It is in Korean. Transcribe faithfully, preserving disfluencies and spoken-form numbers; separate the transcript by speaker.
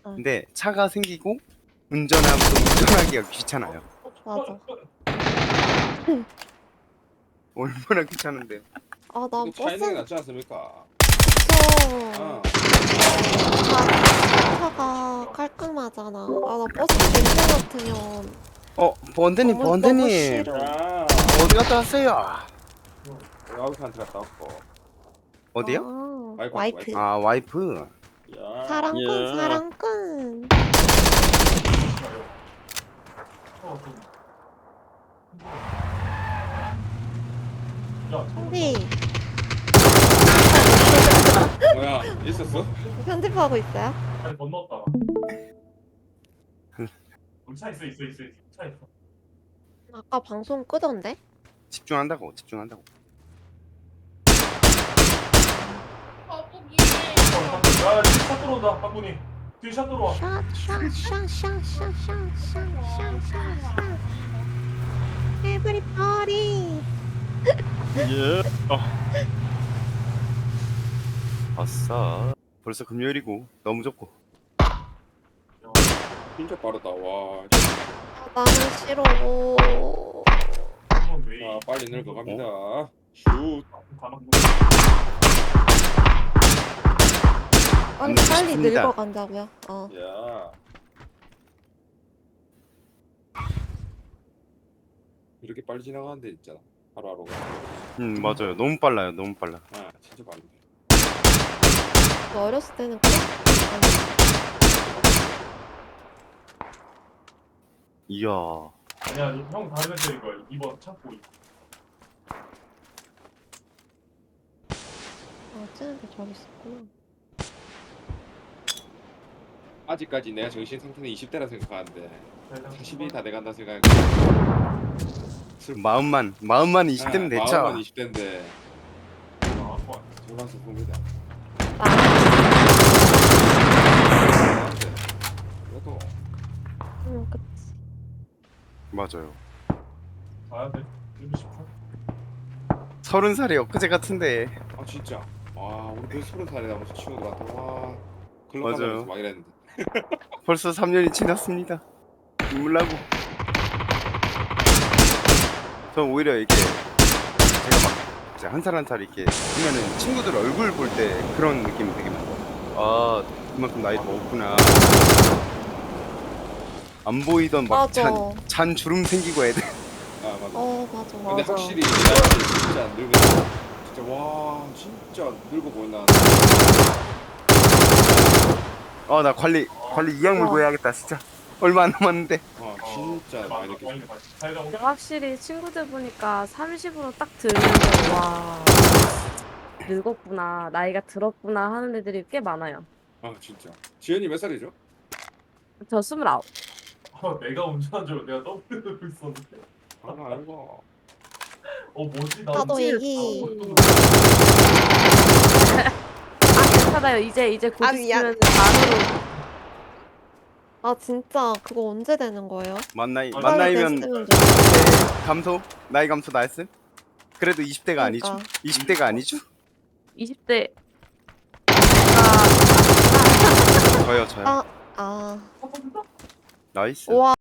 Speaker 1: 응.
Speaker 2: 근데 차가 생기고 운전하고 운전하기가 귀찮아요.
Speaker 1: 맞아.
Speaker 2: 얼마나 귀찮은데.
Speaker 1: 아, 나
Speaker 3: 근데 차 있는 게
Speaker 1: 버스
Speaker 3: 낫지 않습니까?
Speaker 1: 그쵸.
Speaker 3: 아,
Speaker 1: 차, 차가 깔끔하잖아. 아, 나 버스 냄새 맡으면
Speaker 2: 어, 번데님,
Speaker 1: 너무, 너무
Speaker 2: 번데님.
Speaker 1: 싫어.
Speaker 3: 야,
Speaker 2: 어디 갔다 왔어요?
Speaker 3: 와이프한테 갔다 왔고.
Speaker 2: 어디요?
Speaker 1: 아,
Speaker 3: 와이프,
Speaker 1: 와이프.
Speaker 2: 아, 와이프.
Speaker 3: 야,
Speaker 1: 사랑꾼,
Speaker 2: 예.
Speaker 1: 사랑꾼. 근데
Speaker 3: 뭐야, 있었어?
Speaker 1: 편집하고 있어요?
Speaker 4: 아니 건넜다. 우리 차 있어 있어 있어 있어. 차 있어.
Speaker 1: 아까 방송 끄던데?
Speaker 2: 집중한다고, 집중한다고.
Speaker 4: 어, 야 뒤에 차 들어온다 박군이. 뒤에 차 들어와.
Speaker 1: 샷, 샷, 샷, 샷, 샷, 샷, 샷, 샷, 샷, 샷. Everybody.
Speaker 2: 예. 어. 아싸. 벌써 금요일이고 너무 좋고.
Speaker 3: 진짜 빠르다. 와,
Speaker 1: 아, 나는 싫어.
Speaker 4: 한번 왜?
Speaker 3: 자, 빨리 늙어갑니다.
Speaker 2: 어?
Speaker 3: 슛.
Speaker 4: 가만.
Speaker 1: 빨리,
Speaker 2: 안
Speaker 1: 빨리
Speaker 2: 쉽습니다.
Speaker 1: 늙어간다고요? 어.
Speaker 3: 야. 이렇게 빨리 지나가는 데 있잖아. 하루하루가.
Speaker 2: 음, 맞아요. 너무 빨라요. 너무 빨라.
Speaker 3: 아, 진짜 빠른데.
Speaker 1: 너 어렸을 때는 그래?
Speaker 2: 이야.
Speaker 4: 아니야 형 다른 애들인 거야. 이번 찾고 있어.
Speaker 1: 아, 쟤네들 저기 있었구나.
Speaker 3: 아직까지 내가 정신 상태는 이십 대라 생각하는데 사십이 다 돼간다 생각.
Speaker 2: 마음만, 마음만 이십 대면 됐죠.
Speaker 3: 마음만 이십 대인데
Speaker 4: 나왔고.
Speaker 3: 졸라 슬픕니다.
Speaker 1: 나,
Speaker 3: 그래도
Speaker 1: 응, 그치.
Speaker 2: 맞아요.
Speaker 4: 가야 돼. 일곱 시 분.
Speaker 2: 서른 살이 엊그제 같은데.
Speaker 3: 아 진짜. 와 우리 그 서른 살에 나면서 친구들한테 와 글로
Speaker 2: 맞아요.
Speaker 3: 가면서 막 이랬는데.
Speaker 2: 벌써 삼 년이 지났습니다. 눈물 나고. 전 오히려 이게 제가 막 이제 한 살 한 살 이렇게 하면은 친구들 얼굴 볼 때 그런 느낌이 되게 많아요. 아, 그만큼 나이 먹었구나. 안 보이던 막
Speaker 1: 맞아.
Speaker 2: 잔, 잔 주름 생기고 애들.
Speaker 3: 아 맞아.
Speaker 1: 어, 맞아,
Speaker 3: 근데
Speaker 1: 맞아.
Speaker 3: 확실히 나한테 진짜 늙어. 진짜 와 진짜 늙어 보인다.
Speaker 2: 아, 나 관리 관리 이 약물
Speaker 1: 와.
Speaker 2: 구해야겠다 진짜. 얼마 안 남았는데.
Speaker 3: 와 진짜 많이 느꼈어.
Speaker 4: 사이다
Speaker 5: 근데 확실히 친구들 보니까 삼십으로 딱 들으면 와 늙었구나 나이가 들었구나 하는 애들이 꽤 많아요.
Speaker 3: 아 진짜. 지현이 몇 살이죠?
Speaker 5: 저 스물아홉.
Speaker 4: 아, 내가 운전한 줄 내가 더블 누르고 있었는데.
Speaker 3: 아 알고.
Speaker 4: 어 뭐지? 나
Speaker 1: 나도
Speaker 4: 운전-
Speaker 1: 애기.
Speaker 5: 아 괜찮아요. 이제 이제 곧
Speaker 1: 아, 미안.
Speaker 5: 있으면 만으로
Speaker 1: 아, 진짜 그거 언제 되는 거예요?
Speaker 2: 만 나이
Speaker 4: 아,
Speaker 2: 만
Speaker 1: 빨리
Speaker 2: 나이면
Speaker 1: 됐으면 좋겠어.
Speaker 2: 감소 나이 감소 나였음? 그래도 이십 대가
Speaker 1: 그러니까.
Speaker 2: 아니죠? 이십 대가 아니죠?
Speaker 5: 이십 대
Speaker 2: 저요 저요.
Speaker 1: 아, 아.
Speaker 2: 나이스.
Speaker 1: 와.